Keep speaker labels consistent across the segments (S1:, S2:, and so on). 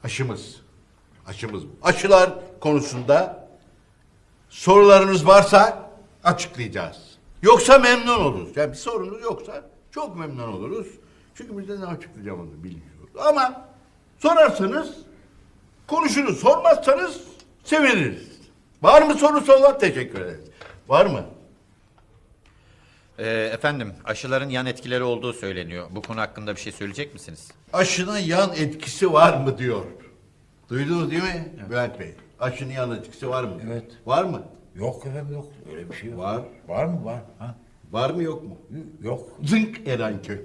S1: Aşımız. Aşımız. Aşılar konusunda sorularınız varsa açıklayacağız. Yoksa memnun oluruz. Yani bir sorunuz yoksa çok memnun oluruz. Çünkü biz de ne açıklayacağımızı bilmiyoruz. Ama sorarsanız konuşuruz. Sormazsanız seviniriz. Var mı sorusu olan? Teşekkür ederiz. Var mı?
S2: Efendim, aşıların yan etkileri olduğu söyleniyor. Bu konu hakkında bir şey söyleyecek misiniz?
S1: Aşının yan etkisi var mı diyor. Duydunuz değil mi Bülent Bey? Aşının yan etkisi var mı?
S3: Evet.
S1: Var mı?
S3: Yok efendim yok. Öyle bir şey yok.
S1: Var.
S3: Var mı? Var. Ha?
S1: Var mı yok mu?
S3: Yok.
S1: Zınk Erenköy.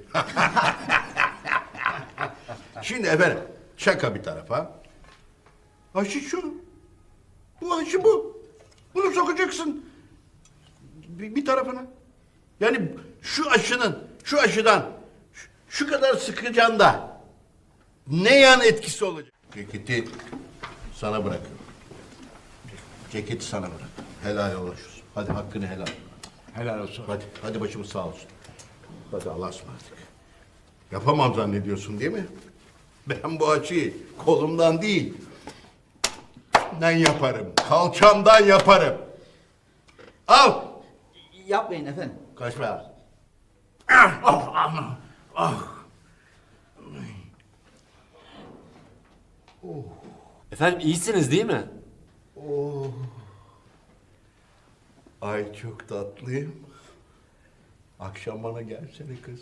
S1: Şimdi efendim şaka bir tarafa. Aşı şu. Bu aşı bu. Bunu sokacaksın bir tarafına. Yani şu aşıdan şu kadar sıkacaksın da ne yan etkisi olacak? Ceketi sana bırakıyorum. Ceketi sana bırak. Helal olsun. Hadi hakkını helal.
S3: Helal olsun.
S1: Hadi başımız sağ olsun. Hadi Allah'a ısmarladık. Yapamam zannediyorsun değil mi? Ben bu aşıyı kolumdan değil, ben yaparım. Kalçamdan yaparım. Al.
S4: Yapmayın efendim.
S1: Kaçma.
S5: Efendim iyisiniz değil mi?
S1: Ay çok tatlıyım. Akşam bana gelsene kız.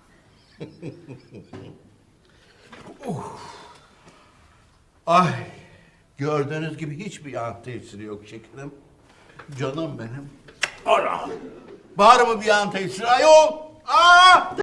S1: Ay, gördüğünüz gibi hiçbir yan tesiri yok şekerim. Canım benim. Ana! Var mı bir yan tesiri? Ayol! Aa!